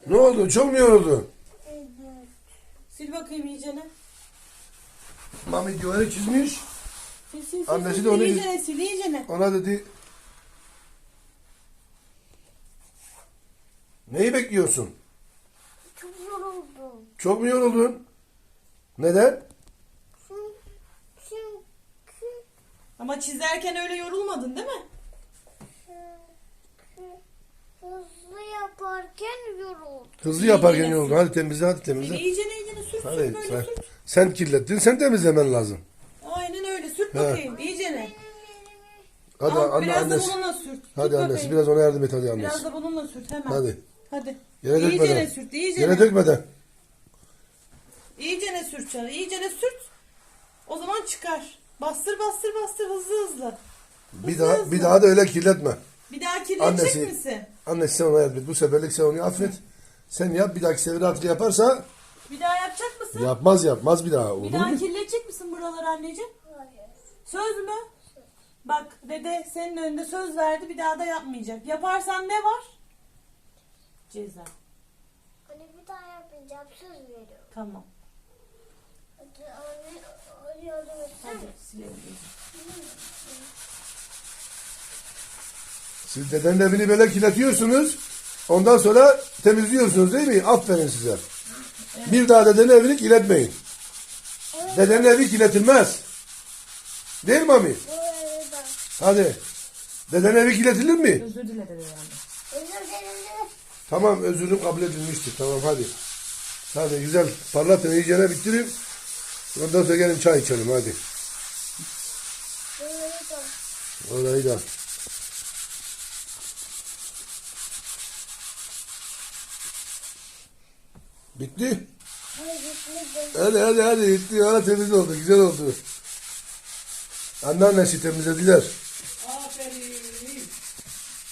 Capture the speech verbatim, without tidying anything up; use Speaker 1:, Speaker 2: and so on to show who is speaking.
Speaker 1: Ne oldu? Çok mu yoruldun?
Speaker 2: Sil bakayım iyicene.
Speaker 1: Mami duvarı çizmiş.
Speaker 2: Sil sil sil.
Speaker 1: Annesi
Speaker 2: sil,
Speaker 1: de onu-
Speaker 2: iyicene sil iyicene.
Speaker 1: Ona dedi. Neyi bekliyorsun?
Speaker 3: Çok yoruldum.
Speaker 1: Çok mu yoruldun? Neden?
Speaker 3: Çünkü
Speaker 2: Ama çizerken öyle yorulmadın değil mi?
Speaker 3: hızlı yaparken yoruldum.
Speaker 1: Hızlı yaparken
Speaker 2: İyi,
Speaker 1: yoruldun. Hadi temizle, hadi
Speaker 2: Sil
Speaker 1: temizle.
Speaker 2: iyicene iyicene sür
Speaker 1: Hadi
Speaker 2: sür böyle
Speaker 1: sen,
Speaker 2: sür.
Speaker 1: sen kirlettin, sen temizlemen lazım.
Speaker 2: Aynen öyle sürt
Speaker 1: He.
Speaker 2: bakayım iyicene.
Speaker 1: Hadi
Speaker 2: Al,
Speaker 1: anne
Speaker 2: biraz
Speaker 1: annesi.
Speaker 2: da bununla sürt.
Speaker 1: Hadi
Speaker 2: Tut
Speaker 1: annesi
Speaker 2: bakayım.
Speaker 1: biraz ona yardım et hadi
Speaker 2: Biraz
Speaker 1: annesi.
Speaker 2: da bununla sürt hemen.
Speaker 1: Hadi.
Speaker 2: Hadi.
Speaker 1: Yere
Speaker 2: İyicene
Speaker 1: dökmeden.
Speaker 2: sürt iyicene.
Speaker 1: Yere dökmeden.
Speaker 2: İyicene sürt canım. İyicene sürt. O zaman çıkar. Bastır bastır bastır hızlı hızlı.
Speaker 1: Bir daha bir daha da öyle kirletme.
Speaker 2: Bir daha kirletecek
Speaker 1: Annesi.
Speaker 2: misin?
Speaker 1: Annesi sen ona yardım et. Bu seferlik sen onu affet. Sen yap, bir dahaki sefere artık yaparsa
Speaker 2: Bir daha yapacak mısın?
Speaker 1: yapmaz yapmaz bir daha.
Speaker 2: Bir
Speaker 1: Olur
Speaker 2: daha
Speaker 1: mu?
Speaker 2: kirletecek misin buraları anneciğim?
Speaker 3: Hayır.
Speaker 2: Söz mü? Bak dede senin önünde söz verdi bir daha da yapmayacak. Yaparsan ne var? Ceza.
Speaker 3: Hani bir daha yapmayacağım, söz veriyorum.
Speaker 2: Tamam.
Speaker 3: Hadi anne, hadi yardım etsene.
Speaker 2: Hadi silelim.
Speaker 1: Siz dedenin evini böyle kirletiyorsunuz. Ondan sonra temizliyorsunuz değil mi? Aferin size. Bir daha dedenin evini kirletmeyin. Dedenin evi kirletilmez. Değil mi Mami?
Speaker 3: Bu arada.
Speaker 1: Hadi. Dedenin evi kirletilir mi?
Speaker 2: Özür dile dede yani.
Speaker 3: Özür dilerim.
Speaker 1: Tamam, özürüm kabul edilmiştir. Tamam hadi. Hadi güzel parlatın, iyicene bitirin. Ondan sonra gelin çay içelim hadi.
Speaker 3: Bu arada.
Speaker 1: Orayı da. Bitti.
Speaker 3: Hayır, gitmedim.
Speaker 1: Hadi hadi hadi bitti. Hala temiz oldu. Güzel oldu. Anneannesi temizlediler.